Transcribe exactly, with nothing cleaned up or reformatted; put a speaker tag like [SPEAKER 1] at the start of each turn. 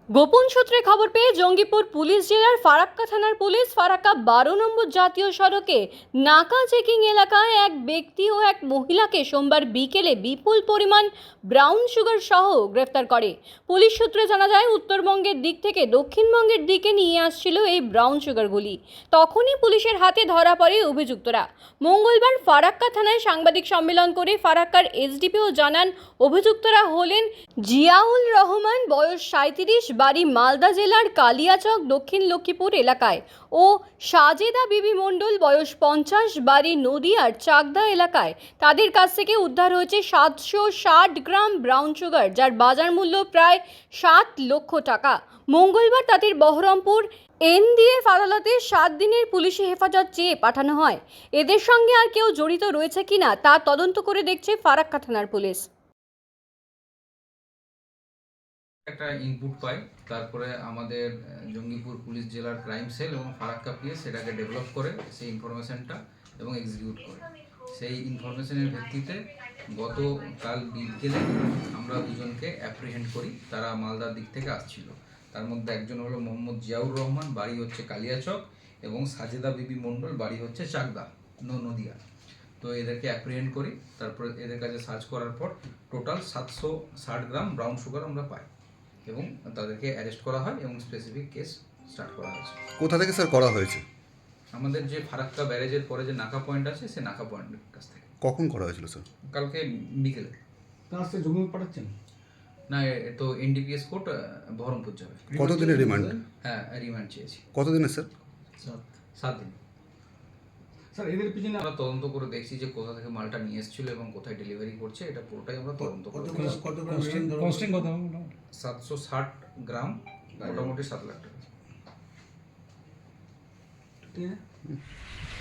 [SPEAKER 1] গোপন সূত্রে খবর পেয়ে জঙ্গিপুর পুলিশ জেলার ফারাক্কা থানার পুলিশ ফারাক্কা বারো নম্বর জাতীয় সড়কে নাকা চেকিং এলাকায় এক ব্যক্তি ও এক মহিলাকে সোমবার বিকেলে বিপুল পরিমাণ ব্রাউন সুগার সহ গ্রেফতার করে। পুলিশ সূত্রে জানা যায়, উত্তরবঙ্গের দিক থেকে দক্ষিণবঙ্গের দিকে নিয়ে আসছিল এই ব্রাউন সুগারগুলি। তখনই পুলিশের হাতে ধরা পড়ে অভিযুক্তরা। মঙ্গলবার ফারাক্কা থানায় সাংবাদিক সম্মেলন করে ফারাক্কার এসডিপিও জানান, অভিযুক্তরা হলেন জিয়াউল রহমান, বয়স সাঁইত্রিশ, বাড়ি মালদা জেলার কালিয়াচক দক্ষিণ লক্ষ্মীপুর এলাকায়, ও সাজেদা বিবি মণ্ডল, বয়স পঞ্চাশ, বাড়ি নদিয়ার চাকদা এলাকায়। তাদের কাছ থেকে উদ্ধার হয়েছে সাতশো ষাট গ্রাম ব্রাউন সুগার, যার বাজার মূল্য প্রায় সাত লক্ষ টাকা। মঙ্গলবার তাদের বহরমপুর এনডিএফ আদালতে সাত দিনের পুলিশি হেফাজত চেয়ে পাঠানো হয়। এদের সঙ্গে আর কেউ জড়িত রয়েছে কিনা তা তদন্ত করে দেখছে ফারাক্কা থানার পুলিশ।
[SPEAKER 2] একটা ইনপুট পাই, তারপরে আমাদের জঙ্গিপুর পুলিশ জেলার ক্রাইম সেল এবং ফারাক্কা পিএস সেটাকে ডেভেলপ করে সেই ইনফরমেশনটা এবং এক্সিকিউট করে। সেই ইনফরমেশনের ভিত্তিতে গতকাল বিকেলে আমরা দুজনকে অ্যাপ্রিহেন্ড করি। তারা মালদার দিক থেকে আসছিল। তার মধ্যে একজন হলো মোহাম্মদ জিয়াউর রহমান, বাড়ি হচ্ছে কালিয়াচক, এবং সাজেদা বিবি মণ্ডল, বাড়ি হচ্ছে চাকদা নদিয়া। তো এদেরকে অ্যাপ্রিহেন্ড করি। তারপরে এদের কাছে সার্চ করার পর টোটাল সাতশো ষাট গ্রাম ব্রাউন সুগার আমরা পাই এবং তাদেরকে অ্যারেস্ট করা হয় এবং স্পেসিফিক কেস স্টার্ট করা হয়েছে।
[SPEAKER 3] কোথা থেকে স্যার করা হয়েছে?
[SPEAKER 2] আমাদের যে ফারাক্কা ব্যারেজের পরে যে নাকা পয়েন্ট আছে, সে নাকা পয়েন্টের কাছ থেকে।
[SPEAKER 3] কখন করা হয়েছিল স্যার?
[SPEAKER 2] কালকে বিকেলে।
[SPEAKER 4] তার সাথে জমি পাঠাচ্ছেন
[SPEAKER 2] না, এ তো এনডিপিএস কোর্ট বহরমপুর যাবে।
[SPEAKER 3] কতদিনের রিমান্ড?
[SPEAKER 2] হ্যাঁ, রিমান্ড চেয়েছি।
[SPEAKER 3] কতদিনের স্যার?
[SPEAKER 2] সাত দিন।
[SPEAKER 4] স্যার এদের পিছনে
[SPEAKER 2] আমরা তদন্ত করে দেখছি যে কোথা থেকে মালটা নিয়ে এসেছিল এবং কোথায় ডেলিভারি করছে, এটা পুরোটাই আমরা তদন্ত করে
[SPEAKER 4] কস্টিং কত?
[SPEAKER 2] সাতশো ষাট গ্রাম, মোটামুটি সাত লাখ টাকা।
[SPEAKER 4] ঠিক আছে।